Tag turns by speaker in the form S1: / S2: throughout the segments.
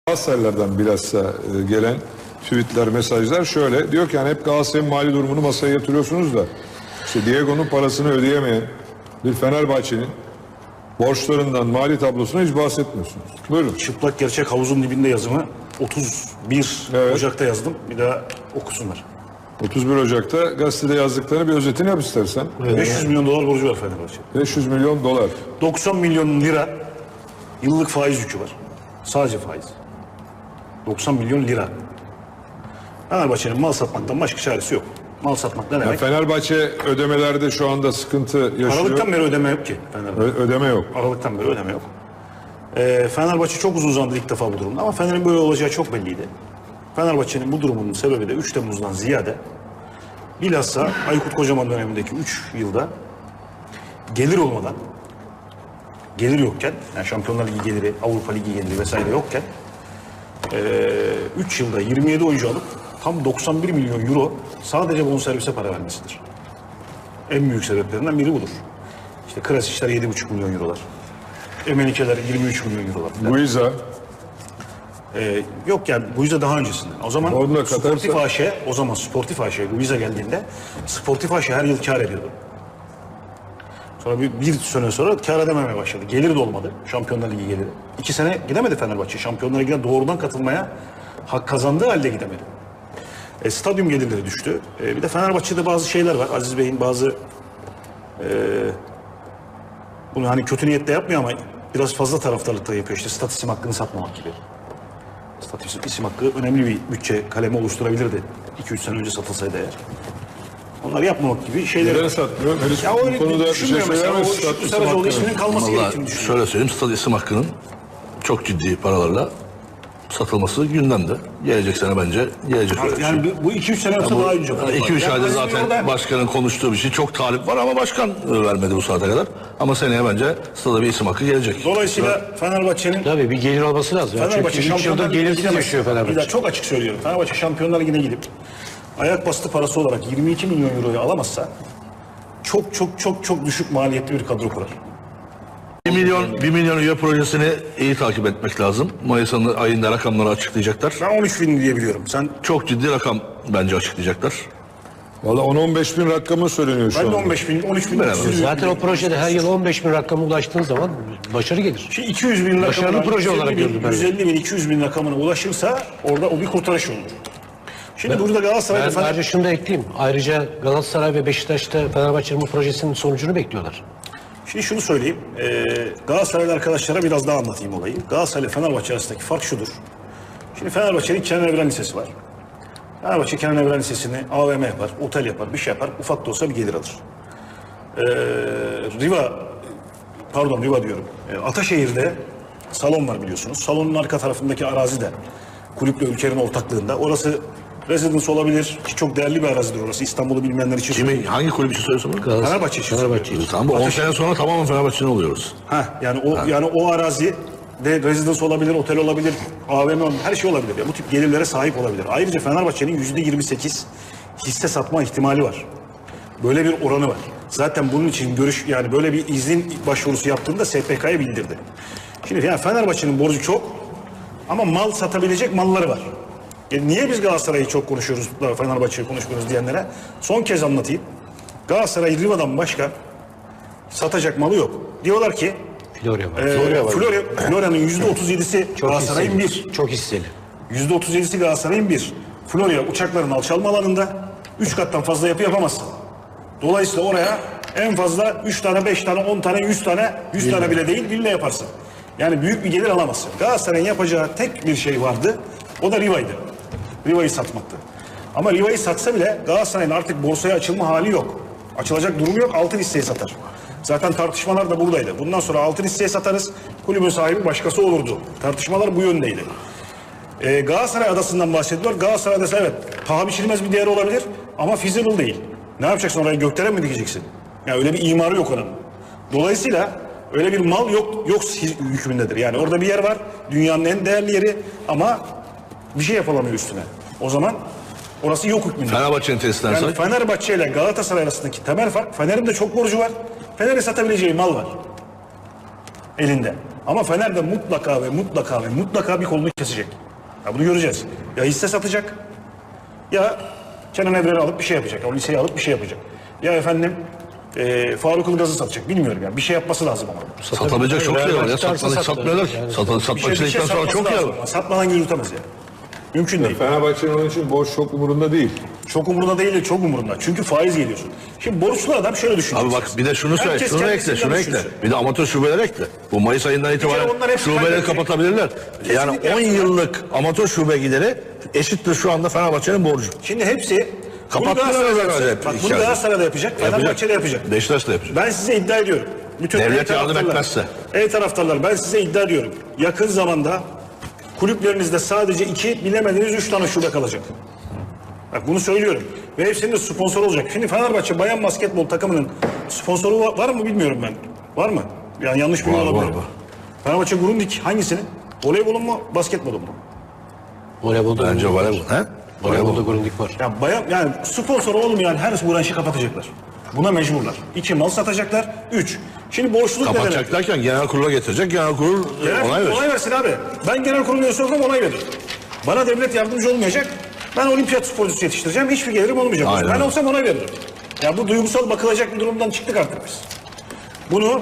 S1: Galatasaraylardan bilhassa gelen tweetler, mesajlar şöyle. Diyor ki hani hep Galatasaray'ın mali durumunu masaya yatırıyorsunuz da işte Diego'nun parasını ödeyemeyen bir Fenerbahçe'nin borçlarından, mali tablosuna hiç bahsetmiyorsunuz. Buyurun.
S2: Çıplak gerçek havuzun dibinde yazımı 31
S1: Evet.
S2: Ocak'ta yazdım. Bir daha okusunlar.
S1: 31 Ocak'ta gazetede yazdıklarını bir özetini yap istersen.
S2: 500 milyon dolar borcu var Fenerbahçe.
S1: 500 milyon dolar.
S2: 90 milyon lira yıllık faiz yükü var. Sadece faiz. 90 milyon lira. Fenerbahçe'nin mal satmaktan başka çaresi yok. Mal satmak ne
S1: Yani
S2: demek?
S1: Fenerbahçe ödemelerde şu anda sıkıntı yaşıyor.
S2: Aralıktan beri ödeme yok ki Fenerbahçe.
S1: Ödeme yok.
S2: Aralıktan beri ödeme yok. Fenerbahçe çok uzun zamandır ilk defa bu durumda ama Fener'in böyle olacağı çok belliydi. Fenerbahçe'nin bu durumunun sebebi de 3 Temmuz'dan ziyade bilhassa Aykut Kocaman dönemindeki 3 yılda gelir olmadan, gelir yokken, yani Şampiyonlar Ligi geliri, Avrupa Ligi geliri vesaire yokken 3 yılda 27 oyuncu alıp tam 91 milyon euro sadece bonservise para vermesidir. En büyük sebeplerinden biri budur. İşte Krasiçler 7,5 milyon eurolar. Emenikeler 23 milyon eurolar.
S1: Guiza.
S2: Yok yani bu yüzde daha öncesinden. O zaman
S1: Orada
S2: Sportif
S1: Katar'sa-
S2: AŞ, o zaman Sportif AŞ, Luiza geldiğinde Sportif AŞ her yıl kar ediyordu. Sonra bir sene sonra kar edememeye başladı. Gelir de olmadı. Şampiyonlar Ligi geliri. 2 sene gidemedi Fenerbahçe. Şampiyonlar Ligi'ne doğrudan katılmaya hak kazandığı halde gidemedi. Stadyum gelirleri düştü. Bir de Fenerbahçe'de bazı şeyler var. Aziz Bey'in bazı bunu hani kötü niyetle yapmıyor ama biraz fazla taraftarlıkla yapıyor. İşte stat isim hakkını satmamak gibi. Stat isim hakkı önemli bir bütçe kalemi oluşturabilirdi. 2-3 sene önce satılsaydı eğer. Onları yapmamak gibi şeyler
S1: Neden
S2: var.
S1: satmıyor? Henüz
S2: Ya
S1: bu
S2: öyle
S1: konuda bir şey
S2: düşünmüyorum mesela.
S1: söyler
S2: O
S1: misin?
S2: Şükrü Saracoğlu isminin kalması
S3: Vallahi
S2: gerektiğini düşünüyorum.
S3: şöyle söyleyeyim, stad isim hakkının çok ciddi paralarla satılması gündemde. Gelecek sene bence gelecek öyle bir şey.
S2: Yani bu 2-3 sene olsa daha önce.
S3: 2-3 ayda zaten başkanın konuştuğu bir şey, çok talip var ama başkan vermedi bu saate kadar. Ama seneye bence stada bir isim hakkı gelecek.
S2: Dolayısıyla Fenerbahçe'nin
S4: Tabii bir gelir olması lazım.
S2: Fenerbahçe
S4: Çünkü 3 yıldır
S2: Şampiyonlar Ligi'ne
S4: gelirsiz
S2: gidemez.
S4: yaşıyor
S2: Bir daha
S4: Fenerbahçe.
S2: çok açık söylüyorum. Fenerbahçe Şampiyonlar Ligi'ne gidip ayak bastı parası olarak 22 milyon euroyu alamazsa çok düşük maliyetli bir kadro kurar.
S3: 1 milyon üye projesini iyi takip etmek lazım. Mayıs ayında rakamları açıklayacaklar.
S2: Ben 13 bin diye biliyorum. Sen
S3: Çok ciddi rakam bence açıklayacaklar.
S1: Valla 10-15 bin rakamı söyleniyor şu
S2: ben de
S1: anda.
S2: 15 bin, 13 bin.
S3: Beraber.
S4: Zaten o projede her yıl 15 bin rakama ulaştığınız zaman başarı gelir.
S2: 200 bin
S4: Başarılı
S2: rakamına,
S4: proje olarak
S2: 150 bin,
S4: gördüm ben.
S2: 150 bin, 200 bin rakamına ulaşırsa orada o bir kurtarış olur. Şimdi burada Galatasaray'da
S4: Ben ayrıca şunu da ekleyeyim. Ayrıca Galatasaray ve Beşiktaş'ta Fenerbahçe'nin bu projesinin sonucunu bekliyorlar.
S2: Şimdi şunu söyleyeyim. Galatasaraylı arkadaşlara biraz daha anlatayım olayı. Galatasaray ile Fenerbahçe arasındaki fark şudur. Şimdi Fenerbahçe'nin Kenan Evren Lisesi var. Fenerbahçe Kenan Evren Lisesi'ni AVM yapar, otel yapar, bir şey yapar. Ufak da olsa bir gelir alır. Riva diyorum. Ataşehir'de salon var biliyorsunuz. Salonun arka tarafındaki arazi de kulüple Ülker'in ortaklığında. Orası residence olabilir ki çok değerli bir arazidir orası. İstanbul'u bilmeyenler için.
S3: Hangi kulüp için söylüyorsun bunu?
S2: Fenerbahçe için.
S4: Fenerbahçe
S2: söylüyorum.
S3: Tamam, bu 10 sene sonra tamamen Fenerbahçe'nin oluyoruz.
S2: Yani o arazi de residence olabilir, otel olabilir, AVM olabilir, her şey olabilir. Yani bu tip gelirlere sahip olabilir. Ayrıca Fenerbahçe'nin %28 hisse satma ihtimali var. Böyle bir oranı var. Zaten bunun için yani böyle bir izin başvurusu yaptığında SPK'ya bildirdi. Şimdi yani Fenerbahçe'nin borcu çok ama mal satabilecek malları var. Niye biz Galatasaray'ı çok konuşuyoruz da Fenerbahçe'yi konuşmuyoruz diyenlere son kez anlatayım. Galatasaray Riva'dan başka satacak malı yok. Diyorlar ki
S4: Florya var.
S2: Florya'nın %37'si
S4: Çok
S2: Galatasaray'ın
S4: hisseli.
S2: bir.
S4: Çok hisseli.
S2: %37'si Galatasaray'ın bir. Florya uçakların alçalma alanında 3 kattan fazla yapı yapamazsın. Dolayısıyla oraya en fazla 3 tane, 5 tane, 10 tane, 100 tane, 100 tane bile değil villa yaparsın. Yani büyük bir gelir alamazsın. Galatasaray'ın yapacağı tek bir şey vardı. O da Riva'ydı. Riva'yı satmaktı. Ama Riva'yı satsa bile Galatasaray'ın artık borsaya açılma hali yok. Açılacak durumu yok. Altın hisseyi satar. Zaten tartışmalar da buradaydı. Bundan sonra altın hisseye satarız. Kulübün sahibi başkası olurdu. Tartışmalar bu yöndeydi. Galatasaray adasından bahsediyor. Galatasaray adası evet paha biçilmez bir değer olabilir ama feasible değil. Ne yapacaksın oraya gökdelen mi dikeceksin? Yani öyle bir imarı yok onun. Dolayısıyla öyle bir mal yok hükmündedir. Yani orada bir yer var. Dünyanın en değerli yeri ama bir şey yapılamıyor üstüne. O zaman orası yok hükmünde.
S3: Fenerbahçe'nin tesisinden
S2: Yani
S3: say.
S2: Fenerbahçe ile Galatasaray arasındaki temel fark Fener'in de çok borcu var. Fener'e satabileceği mal var. Elinde. Ama Fener de mutlaka ve mutlaka ve mutlaka bir kolunu kesecek. Ya bunu göreceğiz. Ya hisse satacak ya Kenan Evren'i alıp bir şey yapacak. O liseyi alıp bir şey yapacak. Ya efendim Faruk Ilgaz'ı satacak. Bilmiyorum yani. Bir şey yapması lazım ama.
S3: Satabilecek çok şey var ya.
S4: Satmadık,
S3: Satmıyorlar ki.
S4: yani.
S3: Satmak istedikten sonra çok yer var.
S2: Satmadan yürütemez yani. Mümkün değil.
S1: Fenerbahçe'nin onun için borç çok umurunda değil.
S2: Çok umurunda değil de çok umurunda. Çünkü faiz geliyorsun. Şimdi borçlu adam şöyle düşünüyor.
S3: Abi bak bir de şunu söyle,
S2: Herkes
S3: şunu ekle,
S2: kendisinden
S3: şunu ekle.
S2: düşünsün.
S3: Bir de amatör şubeler ekle. Bu Mayıs ayından itibaren
S2: onlar hepsi
S3: şubeleri
S2: kaybedecek.
S3: kapatabilirler. Yani
S2: Kesinlikle
S3: 10
S2: yapsınlar.
S3: yıllık amatör şube gideri eşittir şu anda Fenerbahçe'nin borcu.
S2: Şimdi hepsi
S3: Kapattılar
S2: bunu Galatasaray'da
S3: herhalde
S2: yapacak. Bak
S3: hep
S2: bunu
S3: içeride.
S2: Galatasaray'da yapacak. Fenerbahçe'de yapacak.
S3: Beşiktaş da yapacak.
S2: Ben size iddia ediyorum. Bütün
S3: Devlet
S2: ey
S3: yardım
S2: taraftarlar-
S3: etmezse.
S2: Ey taraftarlar ben size iddia ediyorum. Yakın zamanda kulüplerinizde sadece 2 bilemediniz 3 tane şube kalacak. Bak bunu söylüyorum. Ve hepsinin de sponsor olacak. Şimdi Fenerbahçe bayan basketbol takımının sponsoru var mı bilmiyorum ben. Var mı? Yani yanlış bilgi
S3: Var,
S2: olabilir.
S3: var.
S2: Fenerbahçe Grundig hangisinin? Voleybolun mu basketbolun mu?
S4: Voleybolda
S3: Bence
S4: Grundig
S3: voleybol. He?
S4: Voleybolda Grundig var.
S2: Ya bayan yani sponsor olmayan her branşı kapatacaklar. Buna mecburlar. 2 mal satacaklar. 3. Şimdi borçluluk ne demek?
S3: Kapatacak derken genel kurula getirecek. Genel kurul
S2: Genel
S3: onay
S2: kurul
S3: verir.
S2: onay versin abi. Ben genel kurul üyesi olsam onay veririm. Bana devlet yardımcı olmayacak. Ben olimpiyat sporcusu yetiştireceğim. Hiçbir gelirim olmayacak.
S3: Aynen
S2: Ben
S3: öyle.
S2: olsam onay veririm. Ya bu duygusal bakılacak bir durumdan çıktık artık biz. Bunu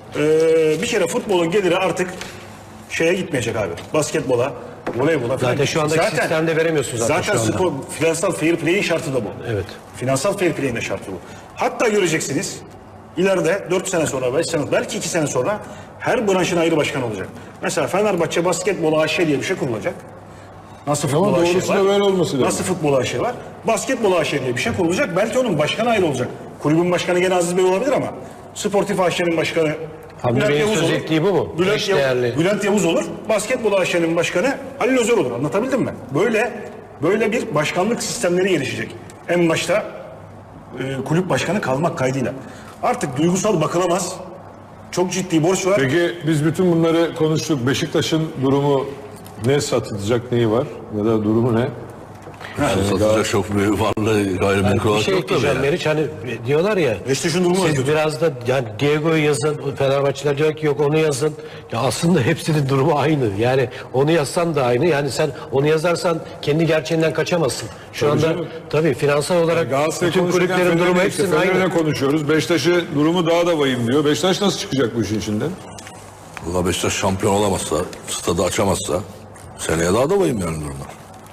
S2: bir kere futbolun geliri artık şeye gitmeyecek abi. Basketbola, voleybola falan.
S4: Zaten şu andaki sistemde veremiyorsun zaten şu anda.
S2: spor, finansal fair play'in şartı da bu.
S4: Evet.
S2: Finansal fair play'in de şartı bu. Hatta göreceksiniz ileride 4 sene sonra, 5 sene, belki 2 sene sonra her branşın ayrı başkan olacak. Mesela Fenerbahçe Basketbol AŞ diye bir şey kurulacak. Nasıl futbol AŞ
S1: doğrusu da
S2: var?
S1: böyle olması lazım.
S2: Nasıl futbol AŞ var? Basketbol AŞ diye bir şey kurulacak. Belki onun başkanı ayrı olacak. Kulübün başkanı gene Aziz Bey olabilir ama Sportif AŞ'nin başkanı
S4: Hamdi
S2: Bülent
S4: Bey'in
S2: Yavuz
S4: söz
S2: olur.
S4: ettiği bu mu?
S2: Bülent,
S4: Eşdeğerli.
S2: Bülent Yavuz olur. Basketbol AŞ'nin başkanı Halil Özer olur. Anlatabildim mi? Böyle bir başkanlık sistemleri gelişecek. En başta kulüp başkanı kalmak kaydıyla. Artık duygusal bakılamaz. Çok ciddi borç var.
S1: Peki biz bütün bunları konuştuk. Beşiktaş'ın durumu ne, satılacak neyi var ya da durumu ne?
S3: Satacak çok büyük varlığı gayrimenkul
S4: Bir
S3: olarak
S4: şey
S3: yok tabii.
S4: ekleyeceğim
S3: yani.
S4: Meriç, hani diyorlar ya
S2: Beşiktaş'ın durumu
S4: siz
S2: kötü.
S4: biraz da yani Diego'yu yazın, Fenerbahçeler diyor ki yok onu yazın. Ya aslında hepsinin durumu aynı. Yani onu yazsan da aynı. Yani sen onu yazarsan kendi gerçeğinden kaçamazsın. Şu anda
S1: canım.
S4: tabii finansal olarak
S1: Galatasaray
S4: bütün
S1: konuşurken
S4: kulüplerin durumu
S1: Fener'le
S4: hepsinin
S1: Fener'le
S4: aynı.
S1: konuşuyoruz. Beşiktaş'ı durumu daha da vahim diyor. Beşiktaş nasıl çıkacak bu işin içinden?
S3: Valla Beşiktaş şampiyon olamazsa, stadı açamazsa seneye daha da vahim yani durumlar.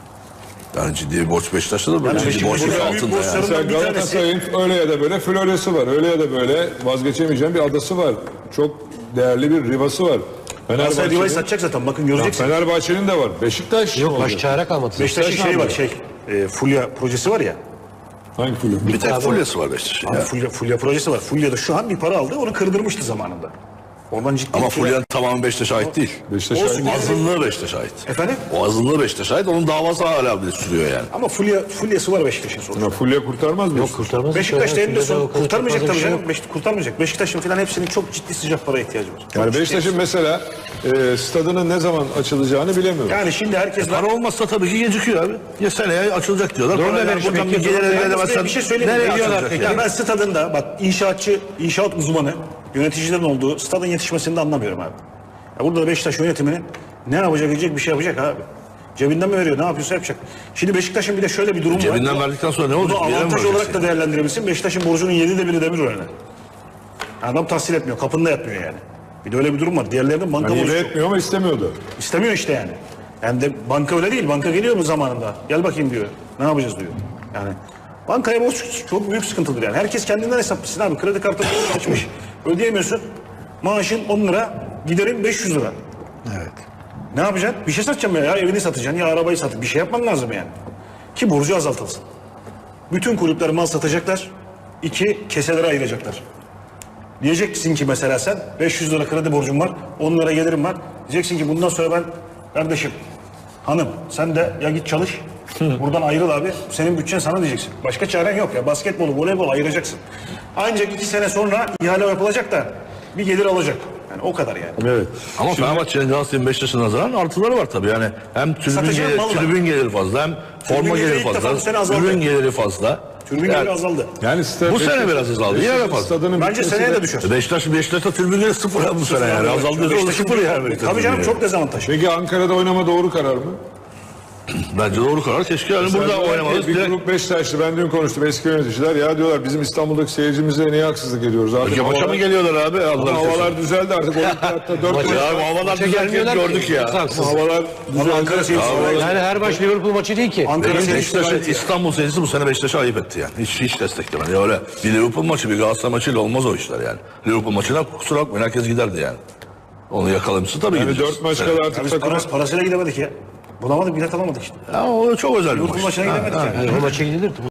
S3: Yani ciddi bir borç Beşiktaş'ta da böyle ciddi
S2: Beşiktaş'ın
S3: borçluk
S2: büyük
S3: altında
S2: borçları-
S3: yani.
S1: Mesela
S2: bir tanesi-
S1: Galatasaray'ın öyle ya da böyle Florya'sı var. Öyle ya da böyle vazgeçemeyeceğim bir adası var. Çok değerli bir rivası var.
S2: Galatasaray Riva'yı
S1: Fenerbahçe'nin,
S2: satacak zaten. Bakın göreceksin.
S1: Fenerbahçe'nin de var. Beşiktaş
S4: Yok
S1: olacak.
S4: baş çare kalmadı.
S2: Beşiktaş'ın
S1: Beşiktaş
S2: şey var
S1: ne
S2: Fulya projesi var ya.
S1: Hangi kulüp?
S3: Bir tek fulyası var Beşiktaş'ın ya.
S2: Fulya projesi var. Fulya'da şu an bir para aldı. Onu kırdırmıştı zamanında. Ondan ciddi
S3: Ama
S2: bir para-
S3: Fulya'nın tamamı Beşiktaş'a ait değil.
S1: Beşiktaş'a
S2: Olsun.
S1: ait.
S3: Azınlığı Beşiktaş'a ait.
S2: Efendim?
S3: O azınlığı Beşiktaş'a ait. Onun davası hala bile sürüyor yani.
S2: Ama Fulya'sı var Beşiktaş'ın sonuçta.
S1: Ya Fulya kurtarmaz mı?
S4: Yok kurtarmaz.
S2: Beşiktaş da en de
S4: Fulya'da
S2: son
S4: o kadar
S2: kurtarmayacak
S4: çok
S2: tabii
S4: fazla bir şey
S2: canım. Kurtarmayacak. Beşiktaş'ın falan hepsinin çok ciddi sıcak para ihtiyacı var.
S1: Yani Beşiktaş'ın mesela stadının ne zaman açılacağını bilemiyorum.
S2: Yani şimdi herkes
S3: Para olmazsa tabii ki gecikiyor abi. Ya seneye açılacak diyorlar.
S4: Doğru
S3: Paralar
S4: demiş,
S3: buradan bir
S4: peki,
S3: gelir elde
S2: Yalnız
S3: edemezsen
S2: bir şey söyleyeyim mi?
S3: nereye
S2: Biliyorlar
S3: açılacak
S2: peki.
S3: yani?
S2: Ya ben stadında bak inşaat uzmanı yöneticilerin olduğu stadın yetişmesini de anlamıyorum abi. Ya burada da Beşiktaş yönetiminin ne yapacak diyecek bir şey yapacak abi. Cebinden mi veriyor ne yapıyorsa yapacak. Şimdi Beşiktaş'ın bir de şöyle bir durum var.
S3: Cebinden verdikten sonra ne olacak?
S2: Bunu
S3: Bir yere mi
S2: avantaj
S3: vereceksin?
S2: olarak da değerlendirebilirsin. Beşiktaş'ın borcunun 7'de 1'i Demirören'e. Adam tahsil etmiyor. Kapında yatmıyor yani. Bir de öyle bir durum var. Diğerlerinin banka
S1: Yani
S2: borcu
S1: hile
S2: çok.
S1: etmiyor ama istemiyordu.
S2: İstemiyor işte yani. Yani de banka öyle değil. Banka geliyor mu zamanında? Gel bakayım diyor. Ne yapacağız diyor. Yani bankaya borç çok büyük sıkıntıdır yani. Herkes kendinden hesaplasın abi. Kredi kartı açmış. Ödeyemiyorsun. Maaşın 10 lira. Giderin 500 lira.
S3: Evet.
S2: Ne yapacaksın? Bir şey satacaksın ya. Evini satacaksın ya arabayı satacaksın. Bir şey yapman lazım yani. Ki borcu azaltılsın. Bütün kulüpler mal satacaklar. 2 keselere ayıracaklar. Diyeceksin ki mesela sen 500 lira kredi borcum var, 10 lira gelirim var. Diyeceksin ki bundan sonra ben kardeşim, hanım sen de ya git çalış. Buradan ayrıl abi. Senin bütçen sana diyeceksin. Başka çaren yok ya. Basketbolu, voleybolu ayıracaksın. Ancak 2 sene sonra ihale yapılacak da bir gelir alacak. Yani o kadar yani.
S1: Evet.
S3: Ama Fenerbahçe'nin Galatasaray'ın Beşiktaş'ın nazaran artıları var tabii. Yani hem
S2: Satacağım mal var.
S3: tribün geliri fazla hem forma
S2: geliri
S3: geliri
S2: ilk defa bu sene
S3: fazla,
S2: azaldı.
S3: ürün geliri fazla.
S2: Tribün geliri azaldı.
S1: Yani
S3: Bu sene biraz azaldı. Yine yapar.
S1: Stadının
S2: Bence
S1: bitmesi
S2: seneye
S1: de-
S2: de düşer.
S3: Beşiktaş'ta tribün geliri sıfır ya bu sene yani. Azaldı da sıfır yani.
S2: Tabii canım çok dezavantaj.
S1: Peki Ankara'da oynama doğru karar mı?
S3: Bence doğru karar. Keşke yani burada
S1: Mesela
S3: oynamalıyız.
S1: Bir
S3: Direkt-
S1: grup Beşiktaşlı, ben dün konuştum eski yöneticiler. Ya diyorlar bizim İstanbul'daki seyircimize niye haksızlık ediyoruz abi?
S3: Peki maça mı geliyorlar abi? Allah
S1: Havalar düzeldi artık. Olimpiyatta 4
S4: Maça-
S3: Ya bu havalar
S4: Maça
S3: düzelken
S4: gelmiyorlar ki.
S3: gördük ya.
S4: Haksız.
S1: havalar
S2: Ama Ankara
S1: düzeldi.
S2: seyircisi
S4: Yani her maç Liverpool maçı değil ki.
S2: Ankara seyircisi
S3: Beşiktaş'ın İstanbul seyircisi bu sene Beşiktaş'a ayıp etti yani. Hiç desteklemedi. Ya öyle bir Liverpool maçı bir Galatasaray maçıyla olmaz o işler yani. Liverpool maçına kusura bakmayın herkes giderdi yani. Onu yakalamışsın tabii
S1: Yani
S3: gideceğiz.
S1: 4 maç kadar artık
S2: Biz
S1: takımın
S2: parasıyla gidemedik ya. Bulamadık, bilet alamadık işte.
S3: Ya o çok özel bir
S2: Liverpool
S3: maç.
S2: maçına gidemedik yani.
S4: Yani o maça gidilir.